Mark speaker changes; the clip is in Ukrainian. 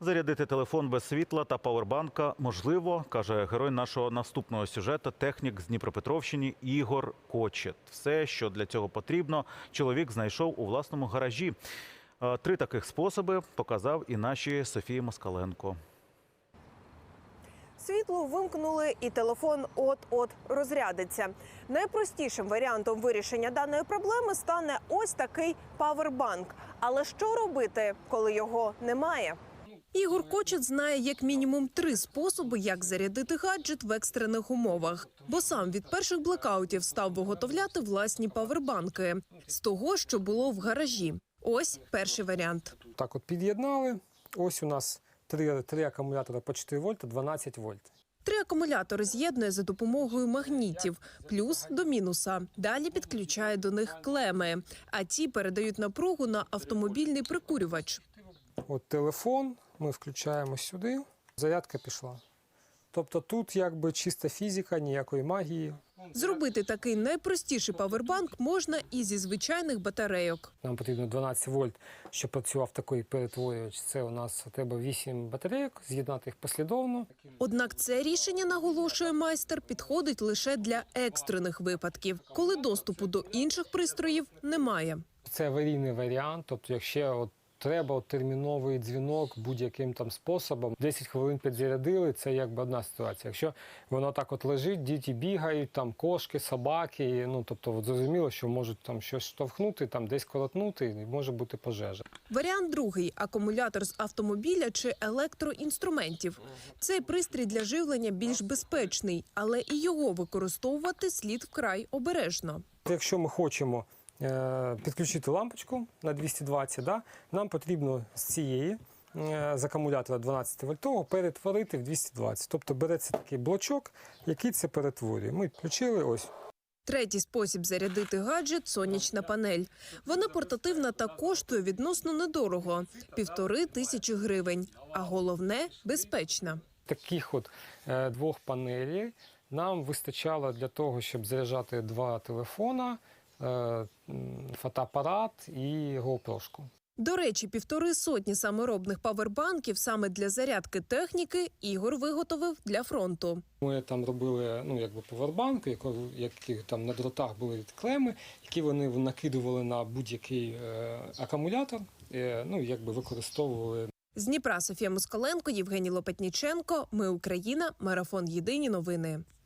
Speaker 1: Зарядити телефон без світла та павербанка можливо, каже герой нашого наступного сюжету, технік з Дніпропетровщини Ігор Кочет. Все, що для цього потрібно, чоловік знайшов у власному гаражі. 3 таких способи показав і нашій Софії Москаленко.
Speaker 2: Світло вимкнули і телефон от-от розрядиться. Найпростішим варіантом вирішення даної проблеми стане ось такий павербанк. Але що робити, коли його немає? Ігор Кочет знає як мінімум 3 способи, як зарядити гаджет в екстрених умовах. Бо сам від перших блекаутів став виготовляти власні павербанки з того, що було в гаражі. Ось перший варіант.
Speaker 3: Так от під'єднали. Ось у нас 3 акумулятори по 4 вольта, 12 вольт.
Speaker 2: 3 акумулятори з'єднує за допомогою магнітів, плюс до мінуса. Далі підключає до них клеми, а ті передають напругу на автомобільний прикурювач.
Speaker 3: От телефон, ми включаємо сюди, зарядка пішла. Тобто тут якби чиста фізика, ніякої магії.
Speaker 2: Зробити такий найпростіший павербанк можна і зі звичайних батарейок.
Speaker 3: Нам потрібно 12 вольт, щоб працював такий перетворювач. Це у нас треба 8 батарейок, з'єднати їх послідовно.
Speaker 2: Однак це рішення, наголошує майстер, підходить лише для екстрених випадків, коли доступу до інших пристроїв немає.
Speaker 3: Це аварійний варіант, тобто якщо треба терміновий дзвінок будь-яким там способом. 10 хвилин підзарядили, це якби одна ситуація. Якщо воно так от лежить, діти бігають, там кошки, собаки, тобто зрозуміло, що можуть там щось штовхнути, там десь колотнути, і може бути пожежа.
Speaker 2: Варіант другий – акумулятор з автомобіля чи електроінструментів. Цей пристрій для живлення більш безпечний, але і його використовувати слід вкрай обережно.
Speaker 3: Якщо ми хочемо підключити лампочку на 220, нам потрібно з цієї, з акумулятора 12-вольтового, перетворити в 220. Тобто береться такий блочок, який це перетворює. Ми включили ось.
Speaker 2: Третій спосіб зарядити гаджет – сонячна панель. Вона портативна та коштує відносно недорого – 1500 гривень. А головне – безпечна.
Speaker 3: Таких от 2 панелей нам вистачало для того, щоб заряджати 2 телефона, фотоапарат і GoPro-шку.
Speaker 2: До речі, 150 саморобних павербанків саме для зарядки техніки Ігор виготовив для фронту.
Speaker 3: Ми там робили павербанки, які там на дротах були клеми, які вони накидували на будь-який акумулятор, використовували.
Speaker 2: З Дніпра Софія Москаленко, Євгеній Лопатніченко. Ми Україна. Марафон. Єдині новини.